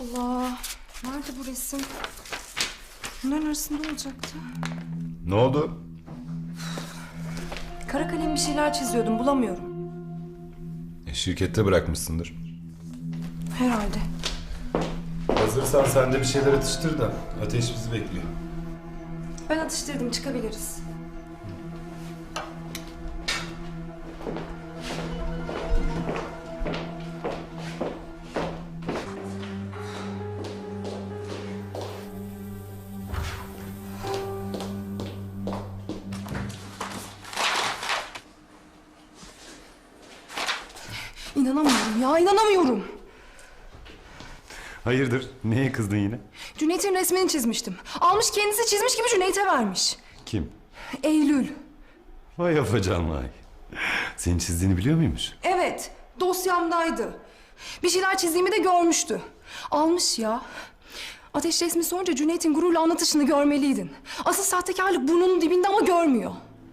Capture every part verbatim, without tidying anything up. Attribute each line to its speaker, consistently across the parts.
Speaker 1: Allah. Nerede bu resim? Bunların arasında olacaktı.
Speaker 2: Ne oldu?
Speaker 1: Kara kalem bir şeyler çiziyordum, bulamıyorum.
Speaker 2: E, şirkette bırakmışsındır.
Speaker 1: Herhalde.
Speaker 2: Hazırsan sen de bir şeyler atıştır da Ateş bizi bekliyor.
Speaker 1: Ben atıştırdım, çıkabiliriz. İnanamıyorum ya, inanamıyorum.
Speaker 2: Hayırdır? Neye kızdın yine?
Speaker 1: Cüneyt'in resmini çizmiştim. Almış kendisi çizmiş gibi Cüneyt'e vermiş.
Speaker 2: Kim?
Speaker 1: Eylül.
Speaker 2: Vay afacan vay. Senin çizdiğini biliyor muymuş?
Speaker 1: Evet, dosyamdaydı. Bir şeyler çizdiğimi de görmüştü. Almış ya. Ateş resmi sorunca Cüneyt'in gururla anlatışını görmeliydin. Asıl sahtekarlık burnunun dibinde ama görmüyor.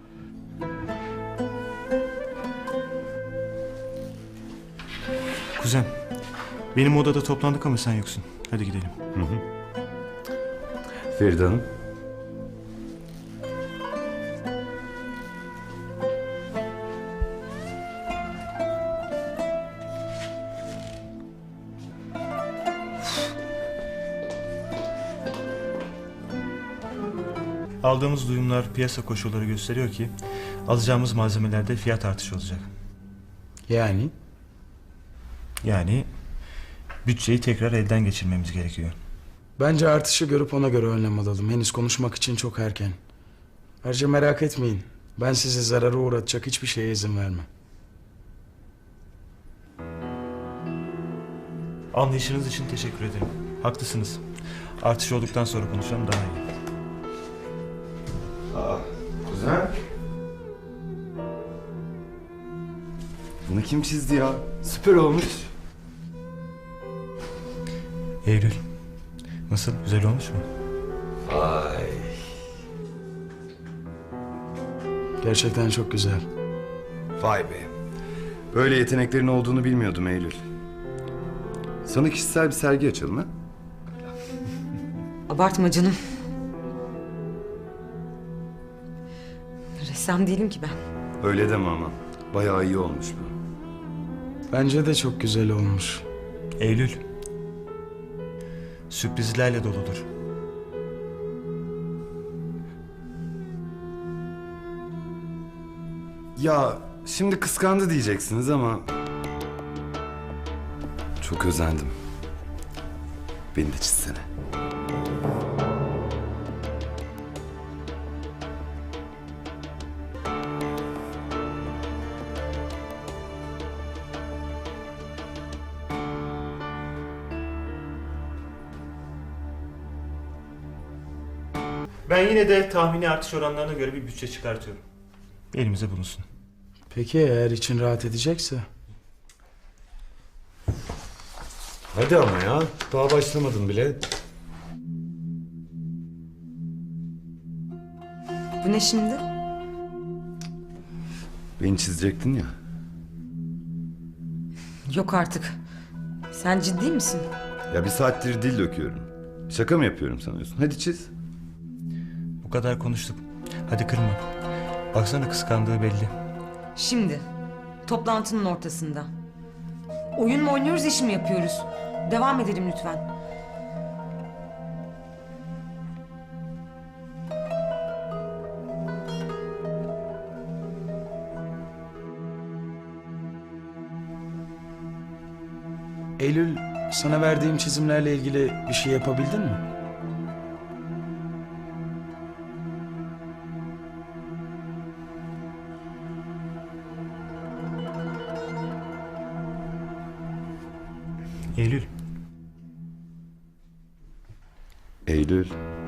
Speaker 3: Kuzen, benim odada toplandık ama sen yoksun. Hadi gidelim.
Speaker 2: Hı hı. Feride Hanım.
Speaker 3: Aldığımız duyumlar, piyasa koşulları gösteriyor ki alacağımız malzemelerde fiyat artışı olacak.
Speaker 4: Yani?
Speaker 3: Yani bütçeyi tekrar elden geçirmemiz gerekiyor.
Speaker 4: Bence artışı görüp ona göre önlem alalım. Henüz konuşmak için çok erken. Ayrıca merak etmeyin. Ben sizi zarara uğratacak hiçbir şeye izin vermem.
Speaker 3: Anlayışınız için teşekkür ederim. Haklısınız. Artış olduktan sonra konuşalım daha iyi.
Speaker 2: Aa, kuzen. Bunu kim çizdi ya? Süper olmuş.
Speaker 3: Eylül, nasıl? Güzel olmuş mu?
Speaker 2: Vay.
Speaker 4: Gerçekten çok güzel.
Speaker 2: Vay be. Böyle yeteneklerin olduğunu bilmiyordum Eylül. Sana kişisel bir sergi açalım ha?
Speaker 5: Abartma canım. Ressam değilim ki ben.
Speaker 2: Öyle deme ama. Bayağı iyi olmuş bu.
Speaker 4: Bence de çok güzel olmuş.
Speaker 3: Eylül, sürprizlerle doludur.
Speaker 2: Ya şimdi kıskandı diyeceksiniz ama... Çok özendim. Beni de çizsene.
Speaker 3: Ben yine de tahmini artış oranlarına göre bir bütçe çıkartıyorum. Elimize bulunsun.
Speaker 4: Peki eğer için rahat edecekse?
Speaker 2: Hadi ama ya. Daha başlamadım bile.
Speaker 5: Bu ne şimdi?
Speaker 2: Beni çizecektin ya.
Speaker 5: Yok artık. Sen ciddi misin?
Speaker 2: Ya bir saattir dil döküyorum. Şaka mı yapıyorum sanıyorsun? Hadi çiz.
Speaker 3: Bu kadar konuştuk. Hadi kırma. Baksana kıskandığı belli.
Speaker 5: Şimdi. Toplantının ortasında. Oyun mu oynuyoruz, iş mi yapıyoruz? Devam edelim lütfen.
Speaker 4: Eylül, sana verdiğim çizimlerle ilgili bir şey yapabildin mi?
Speaker 3: Eylül,
Speaker 2: Eylül.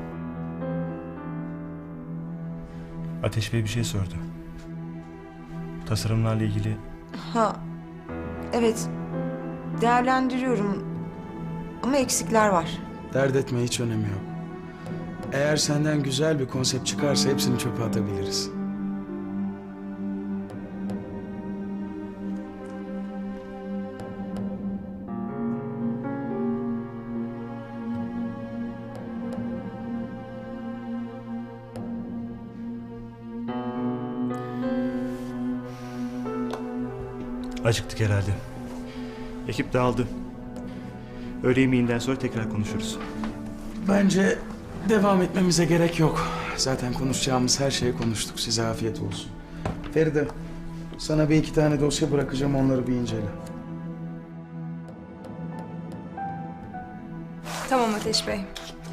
Speaker 3: Ateş Bey bir şey sordu. Tasarımlarla ilgili
Speaker 5: Ha, evet. Değerlendiriyorum. Ama eksikler var.
Speaker 4: Dert etme, hiç önemi yok. Eğer senden güzel bir konsept çıkarsa hepsini çöpe atabiliriz.
Speaker 3: Acıktık herhalde. Ekip dağıldı. Öğle yemeğinden sonra tekrar konuşuruz.
Speaker 4: Bence devam etmemize gerek yok. Zaten konuşacağımız her şeyi konuştuk. Size afiyet olsun. Feride, sana bir iki tane dosya bırakacağım. Onları bir incele.
Speaker 1: Tamam Ateş Bey.